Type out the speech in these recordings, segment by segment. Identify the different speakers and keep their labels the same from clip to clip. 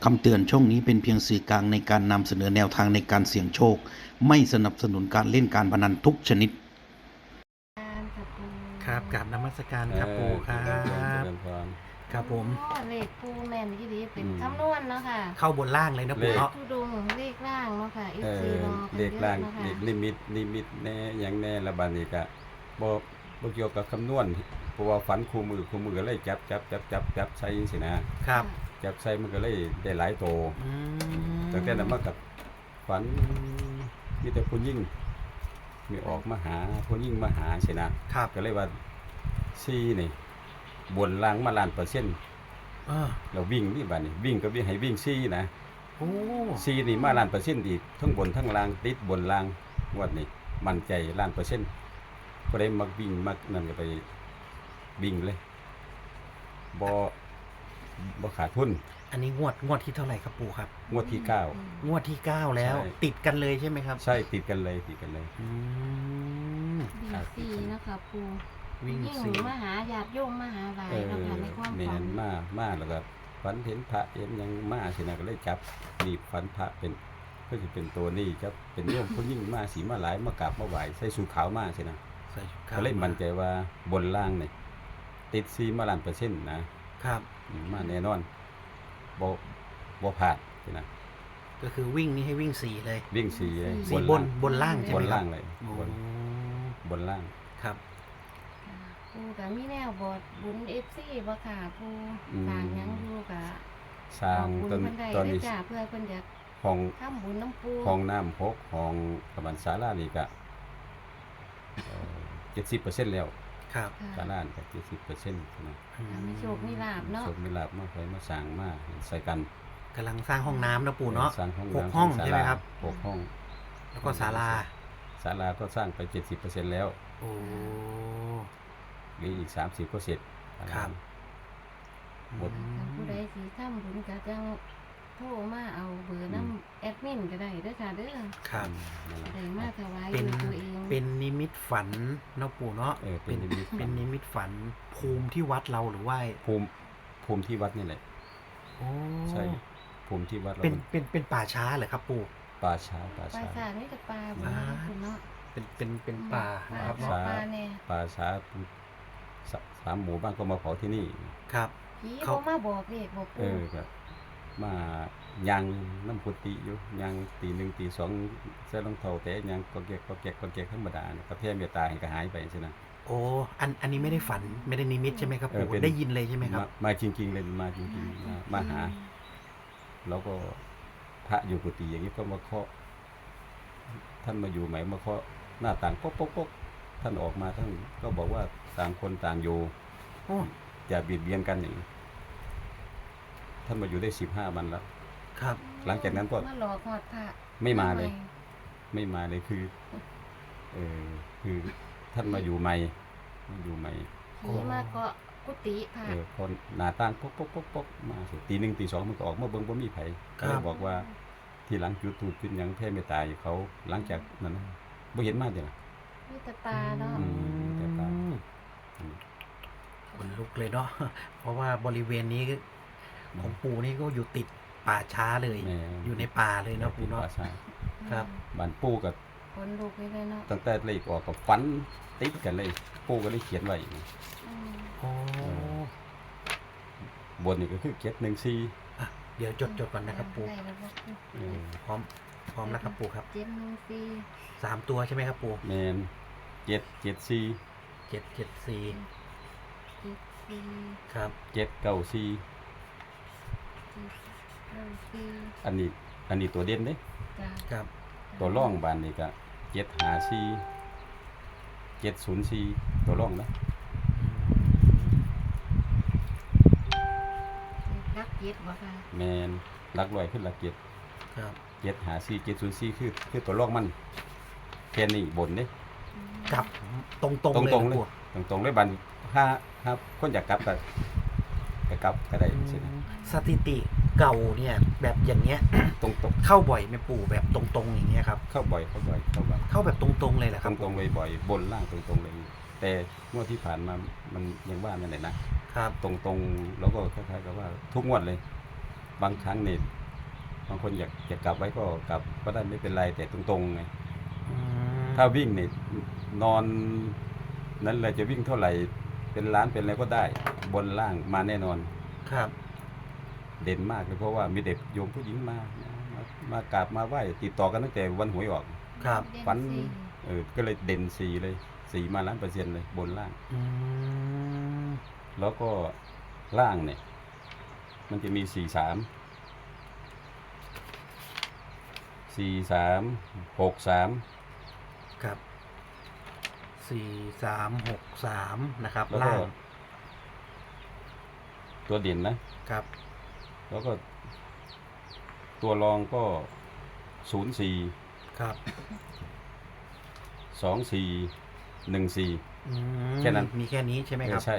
Speaker 1: คำเตือนช่องนี้เป็นเพียงสื่อกลางในการนำเสนอแนวทางในการเสี่ยงโชคไม่สนับสนุนการเล่นการพนันทุกชนิด
Speaker 2: การค่ะปู
Speaker 3: ครับกราบนมัสการครับปู่ครั
Speaker 4: เจริญ
Speaker 3: บ
Speaker 4: พร
Speaker 3: ครับผม
Speaker 2: เลขปูแมนที่ดีเป็น
Speaker 4: อืม
Speaker 2: คำนวณเนาะค่ะ
Speaker 3: เข้าบนล่างเลยนะปู่เนาะ
Speaker 2: ทุดงเลขล่างเนาะค่ะ
Speaker 4: เอ
Speaker 2: FC
Speaker 4: อ
Speaker 2: รอกัน
Speaker 4: เลข
Speaker 2: เย
Speaker 4: ล่า
Speaker 2: อะ
Speaker 4: ง
Speaker 2: เนาะค่ะ
Speaker 4: เลขลิมิตแน่หยังแน่ละบาดนี้ก็บ่เกี่ยวกับคำนวณเพราะว่าฝันคู่มือก็เลยจับใส่จังซี่นะครับ จับใส่มันก็เลยได้หลายโต
Speaker 3: อืม
Speaker 4: ตั้งแต่นั้นมากับฝันมีแต่ผู้หญิงมีออกมาหาผู้หญิงมาหาสินะครับ ก็เลยว่า4นี่บนล่างมาล้านเปอร์เซ็นต์ เราวิ่งนี่บาดนี้วิ่งก็วิ่งให้วิ่ง4นะ
Speaker 3: โอ้
Speaker 4: ซีนี่มาล้านเปอร์เซ็นต์อีกทั้งบนทั้งล่างติดบนล่างงวดนี้มั่นใจล้านเปอร์เซ็นต์ก็ได้มักวิ่งมักนั่นก็ไปวิ่งเลยบ่ขาดทุน
Speaker 3: อันนี้งวดที่เท่าไหร่ครับปู่ครับ
Speaker 4: งวดที่
Speaker 3: งวดที่ 9 แล้ว
Speaker 4: ใช่
Speaker 3: ติดกันเลยใช่ไหมครับ
Speaker 4: 9ใช่ติดกันเลย
Speaker 3: อืม
Speaker 2: ดีซีเนาะค่ะปู
Speaker 3: วิ่ง
Speaker 2: ยิ่ง
Speaker 3: สี่
Speaker 2: มาหาญาติโยมมาหาหลาย
Speaker 4: เออ
Speaker 2: เนาะค่ะในความ
Speaker 4: แม่
Speaker 2: ฝัน
Speaker 4: นมาแล้วก็ฝันเห็นพระเห็นหยังมาสินะก็เลยจับนี่ฝันพระเป็นก็สิเป็นตัวนี้ครับเป็นโยมผู้ยิ่งมาสีมาหลายมากราบมาไหว้ใส่สูทขาวมาสินะ
Speaker 3: ใส่ชุดขาว
Speaker 4: ก็เลยมั่นใจว่าบนล่างนี่ติดซีมาล้านเปอร์เซ็นต์นะครับ มาแน่นอนบ่พลาดนะ
Speaker 3: ก็คือวิ่งนี่ให้วิ่ง4เลย
Speaker 4: วิ่งสีเลย
Speaker 3: 4บนล่างใช่
Speaker 4: บ
Speaker 3: ไหม
Speaker 4: น
Speaker 3: ครั
Speaker 4: ล่า
Speaker 3: บ
Speaker 4: งเลย
Speaker 3: โอ้
Speaker 4: บนล่าง
Speaker 3: ครับ
Speaker 2: ปูกับมีแนวบอดบุญ FC บ่ค่ะปูสร้างหยังอยู่กะ
Speaker 4: สร้าง
Speaker 2: บุญ
Speaker 4: ตอน
Speaker 2: เพิ่นได้
Speaker 4: ตอน
Speaker 2: ได้
Speaker 4: นี้
Speaker 2: จ้าเพื่อเพิ่นอยาก
Speaker 4: ห้อง
Speaker 2: ทำบุญน้ำปู
Speaker 4: ห้องน้ำ6ห้องประมาณศาลานี่ก็70%แล้ว
Speaker 3: ครับ
Speaker 4: ศาลานี่ก็70%นะ
Speaker 3: อืม
Speaker 2: มีโชคมีลาภเนาะ
Speaker 4: โชคมีลาภมาใครมาสร้างมาใส่กัน
Speaker 3: กำลังสร้างห้องน้ำนะปู่เนาะ
Speaker 4: สร้างห้อง
Speaker 3: หก
Speaker 4: น้ำ
Speaker 3: ห้อง
Speaker 4: ศา
Speaker 3: ใช่ไหม
Speaker 4: ลา
Speaker 3: ครับ
Speaker 4: 6ห้อง
Speaker 3: แล้วก็ศาลา
Speaker 4: ศาลาก็สร้างไป70%แล้ว
Speaker 3: โอ้
Speaker 4: เหลืออีก30ก็เสร็จศาลา
Speaker 3: ครับ
Speaker 4: หมด
Speaker 2: ท่านผู้ใดสิทำบุญก็จังโทรมาเอาเบอร์น้ำแอดมินก็ได้เด้อค่ะเด้อ
Speaker 3: ครับ
Speaker 4: นั่นแหละ
Speaker 2: ได้มาถวาย
Speaker 3: เป็น
Speaker 2: ด้วยตัวเอง
Speaker 3: เป็นนิมิตฝันเนาะปู่เนาะ
Speaker 4: เป็นนิมิตฝัน
Speaker 3: เป็นนิมิตฝันภูมิที่วัดเราหรือว่า
Speaker 4: ภูมิที่วัดนี่แหละ
Speaker 3: โอ้
Speaker 4: ใช่ภูมิที่วัดเรา
Speaker 3: เป็นป่าช้าเหรอครับปู่
Speaker 4: ป่าช้า
Speaker 2: ปลาสาดนี่จะปลาบุญ
Speaker 3: อ่า
Speaker 2: คุณเนาะ
Speaker 3: เป็นป่านะครับ
Speaker 2: ปลา
Speaker 3: เนาะ
Speaker 2: ปลาเนี่ย
Speaker 4: ป่าช้าสามหมู่บ้านก็มาเผาที่นี่
Speaker 3: ครับ
Speaker 2: ผี
Speaker 3: เขา
Speaker 2: เขามาบอกเด็กบอก
Speaker 4: เอ
Speaker 2: ปู่
Speaker 4: อก็มายังน้ำพุติอยู่ยังตีหนึ่งตีสองใส่รองเท้าแต่ยังก็แกกธรรมดาเนี่ยก็แพ้เมตตาให้ก็หายไปใช่ไหม
Speaker 3: โอ้อันนี้ไม่ได้ฝันไม่ได้นิมิตใช่ไหมครับปู่
Speaker 4: เป็น
Speaker 3: ได้ยินเลยใช่ไหมครับ
Speaker 4: มาจริงๆเลยมาจริงๆมาหา แล้วก็พระอยู่กุฏิอย่างนี้ก็มาเคาะท่านมาอยู่ใหม่มาเคาะหน้าต่างป๊กท่านออกมาท่านก็บอกว่าต่างคนต่างอยู่
Speaker 3: โอ้
Speaker 4: อย่าเบียดเบียนกันอย่างนี้ท่านมาอยู่ได้15 วันแล้ว
Speaker 3: ครับ
Speaker 4: หลังจากนั้นก็
Speaker 2: มาหลอกหอดพระ
Speaker 4: ไม่มาเลยคือคือท่านมาอยู่ใหม่
Speaker 2: ผีมาเกาะกุฏิพระ
Speaker 4: คนหน้าต่างป๊กมาสิตีหนึ่งตีสองมันก็ออกมาเบิ่งบ่มีไผก็เลยบอกว่าที่หลังจุดธูปจุดหยังแผ่เมตตาอยู่เขาหลังจากนั้นนะบ่เห็นมาเด้อ
Speaker 2: มีแตาตาเนาะ
Speaker 4: อืมแต่ตาม
Speaker 3: ขนลุกเลยเนาะ เพราะว่าบริเวณนี้ของปู่นี่ก็อยู่ติดป่าช้าเลย
Speaker 4: แม่
Speaker 3: อยู่ในป่าเลยเนาะปู่เนาะ
Speaker 4: ป่าช้า
Speaker 3: ครับ
Speaker 4: บ้านปู่กับ
Speaker 2: คนลุกเลยเนาะ
Speaker 4: ตั้งแต่เลขออกกับฝันติดกันเลยปู่ก็เลยเขียนไว้
Speaker 2: อืม
Speaker 3: โอ้
Speaker 4: บนนี่ก็คือ714
Speaker 3: อ่ะเดี๋ยวจดก่อนนะครับปู่
Speaker 2: ได้แล้วบอกปู่
Speaker 4: เออ
Speaker 3: พร้อมนะครับปู่ครับ
Speaker 2: 714
Speaker 3: 3 ตัวใช่ไหมครับปู่
Speaker 4: แม่น774
Speaker 3: 774
Speaker 2: 74
Speaker 3: ครับ
Speaker 4: 794
Speaker 2: 74
Speaker 4: อันนี้ตัวเด่นเด้
Speaker 2: จ้า
Speaker 3: ครับ
Speaker 4: ตัวร่องบานนี่ก็754 704ตัวร่องนะ
Speaker 2: รักเย็ดบ่ค่ะ
Speaker 4: แมนหลักร้อยขึ้นหลักเจ็ด
Speaker 3: ครับ
Speaker 4: 754 704คือตัวร่องมันแค่นี้บนเด้
Speaker 3: กลับตรงๆเลย
Speaker 4: ตรงๆ
Speaker 3: นะ
Speaker 4: เลย
Speaker 3: ปู่
Speaker 4: ตรงๆเลยบัดถ้าคนอยากกลับก็กลับก็ได้ใช่ไหม
Speaker 3: สถิติเก่าเนี่ยแบบอย่างเงี้ย
Speaker 4: ตรง
Speaker 3: เข้าบ่อยไหมปู่แบบตรงๆอย่างเงี้ยครับ
Speaker 4: เข้าบ่อย
Speaker 3: เข้าแบบตรงๆเลยเหรอค
Speaker 4: ต
Speaker 3: รับ
Speaker 4: รงๆเลยบ่อยบนล่างตรงๆเลย แต่งวดที่ผ่านมามันยังว่านั่นแหละนะครับ ตรงๆแล้วก็คล้ายๆกับว่าทุกงวดเลยบางครั้งเนี่ยบางคนอยากจะกลับไว้ก็กลับก็ได้ไม่เป็นไรแต่ตรงๆไงถ้าวิ่งเนี่ยนอนนั้นเลยจะวิ่งเท่าไหร่เป็นล้านเป็นอะไรก็ได้บนล่างมาแน่นอน
Speaker 3: ครับ
Speaker 4: เด่นมากเลยเพราะว่ามีเด็กโยมผู้หญิงมากราบมาไหว้ติดต่อกันตั้งแต่วันหวยออก
Speaker 3: ครับ
Speaker 2: เด่
Speaker 4: ฝัน
Speaker 2: สี่
Speaker 4: ก็เลยเด่น4เลย4มา1,000,000%เลยบนล่าง
Speaker 3: อืม
Speaker 4: แล้วก็ล่างเนี่ยมันจะมี43
Speaker 3: ครับ4363นะครับ
Speaker 4: แล้วก็
Speaker 3: ล่าง
Speaker 4: ตัวเด่นนะครับ แล้วก็ตัวรองก็04
Speaker 3: ครับ
Speaker 4: 24 14
Speaker 3: อืม
Speaker 4: แค่นั้น
Speaker 3: มีแค่นี้ใช่ไหมครับ
Speaker 4: ใช่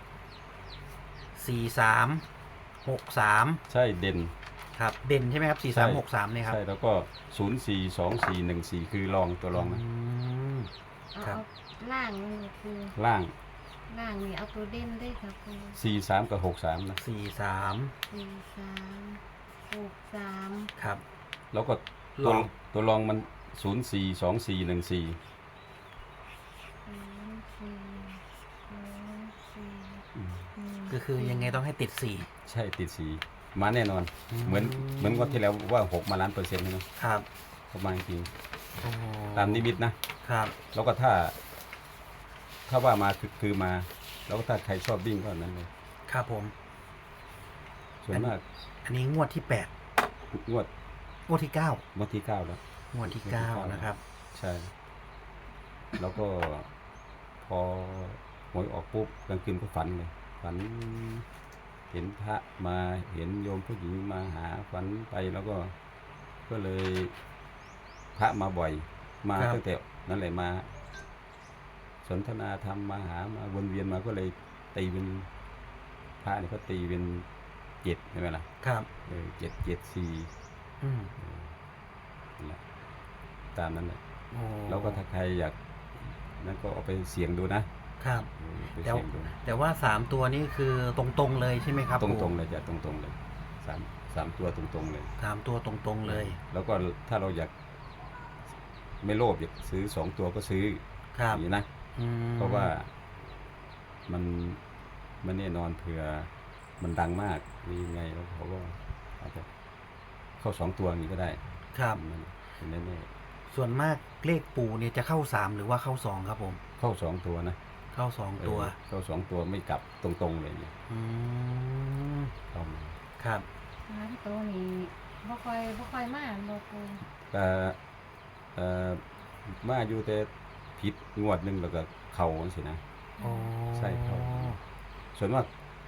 Speaker 3: 4363
Speaker 4: ใช่เด่น
Speaker 3: ครับเด่นใช่ไหมครับ4363เนี่ยครับ
Speaker 4: ใช่แล้วก็042414คือรองตัวรองนะ
Speaker 3: ม ครับ
Speaker 2: เอาล่างนี่คือ
Speaker 4: ล่าง
Speaker 2: ล่างนี่เอาตัวเด่นได้ครับครู
Speaker 4: 43กับ63นะ
Speaker 3: 43
Speaker 2: 4 3 6 3
Speaker 3: ครับ
Speaker 4: แล้วก็
Speaker 3: รอง
Speaker 4: ตัวรองมัน042414
Speaker 2: 0 4 2 4
Speaker 3: ก็คือยังไงต้องให้ติด
Speaker 4: ใช่ติดสีมาแน่นอน เหมือนงวดที่แล้วว่า6มา1,000,000%นะ
Speaker 3: 4ครับ
Speaker 4: ประมาณจริง
Speaker 3: โอ้
Speaker 4: ตามนิมิตนะครับ แล้วก็ถ้าว่ามาคือมา แล้วก็ถ้าใครชอบวิ่งก็นั้นเลย
Speaker 3: ครับผม
Speaker 4: ส่วนมาก
Speaker 3: อันนี้งวดที่
Speaker 4: งวด
Speaker 3: 8งวดที่9
Speaker 4: งวดที่9แล้ว
Speaker 3: งวดที่
Speaker 4: งวดที่
Speaker 3: 9 นะครับ
Speaker 4: ใช่ แล้วก็พอหวยออกปุ๊บกลางคืนก็ฝันเลย ฝัน เห็นพระมาเห็นโยมผู้หญิงมาหาฝันไปแล้วก็เลยพระมาบ่อย มา
Speaker 3: ครับ
Speaker 4: ตั้งแต่นั่นแหละมา สนทนาธรรมมาหามาวนเวียนมาก็เลยตีเป็นพระเนี่ยก็ตีเป็น7ใช่ไหมล่ะ
Speaker 3: ครับ
Speaker 4: 7 7 4
Speaker 3: อืม
Speaker 4: นั่นแหละตามนั้นแหละ
Speaker 3: โอ้
Speaker 4: แล้วก็ถ้าใครอยากนั่นก็เอาไปเสี่ยงดูนะครับ ไป
Speaker 3: แต่
Speaker 4: เสี่ยงดู
Speaker 3: แต่ว่า3ตัวนี้คือตรงๆเลยใช่ไหมครับ
Speaker 4: ตรงๆเลยจะตรงๆเลยสามตัวตรงๆเลย
Speaker 3: 3ตัวตรงๆเลย
Speaker 4: แล้วก็ถ้าเราอยากไม่โลภอยากซื้อ2ตัวก็ซื้อ
Speaker 3: ครับ
Speaker 4: อย่างนี้นะ
Speaker 3: อืม
Speaker 4: เพราะว่ามันแน่นอนเผื่อมันดังมากนี่ยังไงแล้วเขาก็อาจจะเข้า2ตัวอย่างนี้ก็ได้
Speaker 3: ครับ
Speaker 4: มันเป็นแน่
Speaker 3: ส่วนมากเลขปู่เนี่ยจะเข้า3หรือว่าเข้า2ครับผม
Speaker 4: ๆเข้า2ตัวนะ
Speaker 3: เข้า2ตัว
Speaker 4: เข้า2ตัวไม่กลับตรงๆเลยเนี่ย
Speaker 3: อืม
Speaker 4: เข้ามา
Speaker 3: ครับ
Speaker 2: 3ตัวนี้บ่ค่อยมาบ่ครู
Speaker 4: แต่มาอยู่แต่ผิดงวดหนึงแล้วก็เข่าสินะ
Speaker 3: โอ้
Speaker 4: ใช่ครับ ส่วนมาก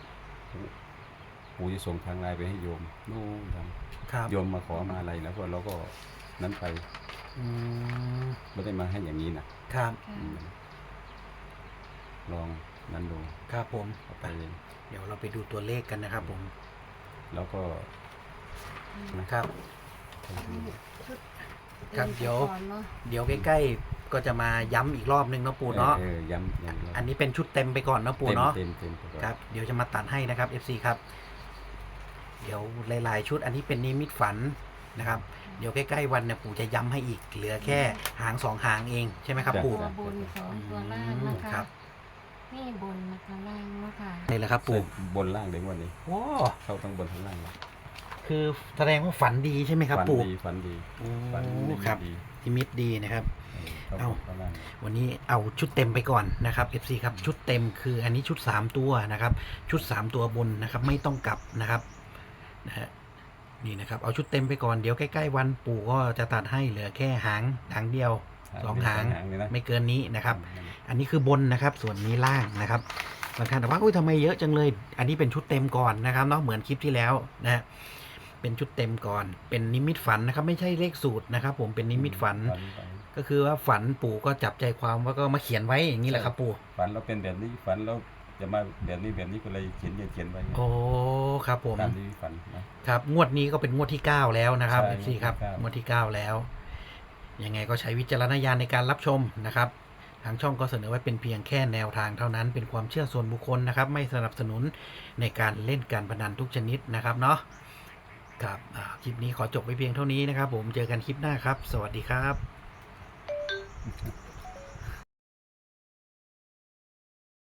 Speaker 4: ปู่จะส่งทางไลน์ไปให้โยมนู่นท
Speaker 3: ครับ
Speaker 4: ำโยมมาขอมาอะไรแล้วก็เราก็นั้นไป
Speaker 3: อืม
Speaker 4: ไม่ได้มาให้อย่างนี้นะครับ
Speaker 2: ค่ะ
Speaker 4: อืมลองนั้นดู
Speaker 3: ครับผม
Speaker 4: เอา
Speaker 3: ไป
Speaker 4: ไป
Speaker 3: เดี๋ยวเราไปดูตัวเลขกันนะครับผม
Speaker 4: แล้วก็
Speaker 3: ครับ
Speaker 2: ชุด
Speaker 3: ครับเดี๋ยว
Speaker 2: ก่อนเนาะ
Speaker 3: เดี๋ยวใกล้ๆก็จะมาย้ำอีกรอบนึงเนาะปู่เนาะ
Speaker 4: ย้ำ
Speaker 3: อันนี้เป็นชุดเต็มไปก่อนเนาะปู่เนาะ
Speaker 4: เต็มไปก่อน
Speaker 3: ครับเดี๋ยวจะมาตัดให้นะครับ FC ครับ เดี๋ยวหลายๆชุดอันนี้เป็นนิมิตฝันนะครับ เดี๋ยวใกล้ๆวันเนี่ยปู่จะย้ำให้อีก เหลือแค่หาง2หางเองใช่ไหมครับ
Speaker 2: ตั
Speaker 3: ปู่
Speaker 2: วบน2ตัวล่างนะ
Speaker 3: ครั
Speaker 2: คะ
Speaker 3: บ
Speaker 2: นี่บนนะคะล่างเนาะค่ะ
Speaker 3: นี่แหละครับปู่
Speaker 4: บนล่างเด็กวันนี้
Speaker 3: โอ้
Speaker 4: เข้าทั้งบนทั้งล่างเลย
Speaker 3: คือแสดงว่าฝันดีใช่ไหมครับ
Speaker 4: ฝัน
Speaker 3: ปู่
Speaker 4: ดีฝันดี
Speaker 3: โอ้
Speaker 4: ฝันดี
Speaker 3: ครับ
Speaker 4: ดี
Speaker 3: นิมิตดีนะครับ
Speaker 4: เข้า
Speaker 3: เอ้า
Speaker 4: ข้างล่าง
Speaker 3: วันนี้เอาชุดเต็มไปก่อนนะครับ FC ครับชุดเต็มคืออันนี้ชุด3ตัวนะครับ ชุด3ตัวบนนะครับ ไม่ต้องกลับนะครับนะฮะนี่นะครับเอาชุดเต็มไปก่อนเดี๋ยวใกล้ๆวันปู่ก็จะตัดให้เหลือแค่หางเดียว2หาง
Speaker 4: เลยนะ
Speaker 3: ไม่เกินนี้นะครับ อันนี้คือบนนะครับ ส่วนนี้ล่างนะครับบางท่านบอกว่าอุ้ยทำไมเยอะจังเลย อันนี้เป็นชุดเต็มก่อนนะครับเนาะเหมือนคลิปที่แล้วนะฮะเป็นชุดเต็มก่อน เป็นนิมิตฝันนะครับ ไม่ใช่เลขสูตรนะครับ ผมเป็นนิมิตฝัน ก็คือว่าฝันปู่ก็จับใจความว่าก็มาเขียนไว้อย่างนี้แหละครับปู่
Speaker 4: ฝันเราเป็นแบบนี้ฝันเราจะมาแบบนี้ก็เลยเขียนไว้
Speaker 3: โอ้ครับผม
Speaker 4: ตามที่ฝันนะครับ
Speaker 3: งวดนี้ก็เป็นงวดที่9แล้วนะครับ
Speaker 4: ใช่
Speaker 3: FC ครับ
Speaker 4: งวดที่
Speaker 3: งวดที่9แล้วยังไงก็ใช้วิจารณญาณในการรับชมนะครับ ทางช่องก็เสนอไว้เป็นเพียงแค่แนวทางเท่านั้นเป็นความเชื่อส่วนบุคคลนะครับ ไม่สนับสนุนในการเล่นการพนันทุกชนิดนะครับเนาะครับคลิปนี้ขอจบไปเพียงเท่านี้นะครับผมเจอกันคลิปหน้าครับ สวัสดีครับ